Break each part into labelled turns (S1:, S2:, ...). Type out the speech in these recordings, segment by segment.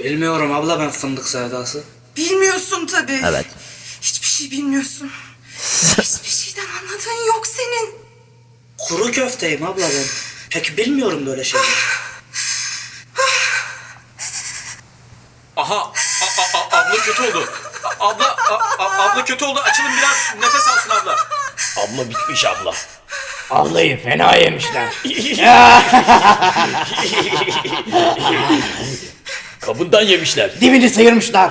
S1: Bilmiyorum abla ben fındık sevdası.
S2: Bilmiyorsun tabii.
S3: Evet.
S2: Hiçbir şey bilmiyorsun. Hiçbir şeyden anladığın yok senin.
S1: Kuru köfteyim abla ben. Peki bilmiyorum böyle şeyler.
S4: Aha, abla kötü oldu. Abla kötü oldu. Açılın biraz nefes alsın abla.
S3: Abla bitmiş abla. Ablayı fena yemişler. Kabından yemişler. Dibini sıyırmışlar.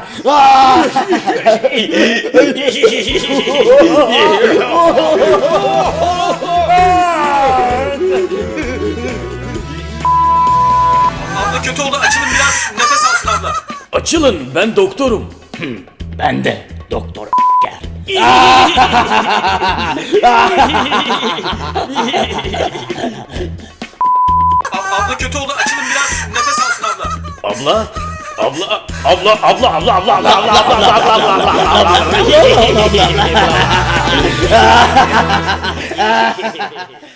S4: Abla kötü oldu. Açılın biraz nefes alsın abla.
S3: Açılın, ben doktorum. Ben de doktor gel.
S4: Abla kötü oldu. Açılın biraz nefes alsın abla.
S3: Abla, abla.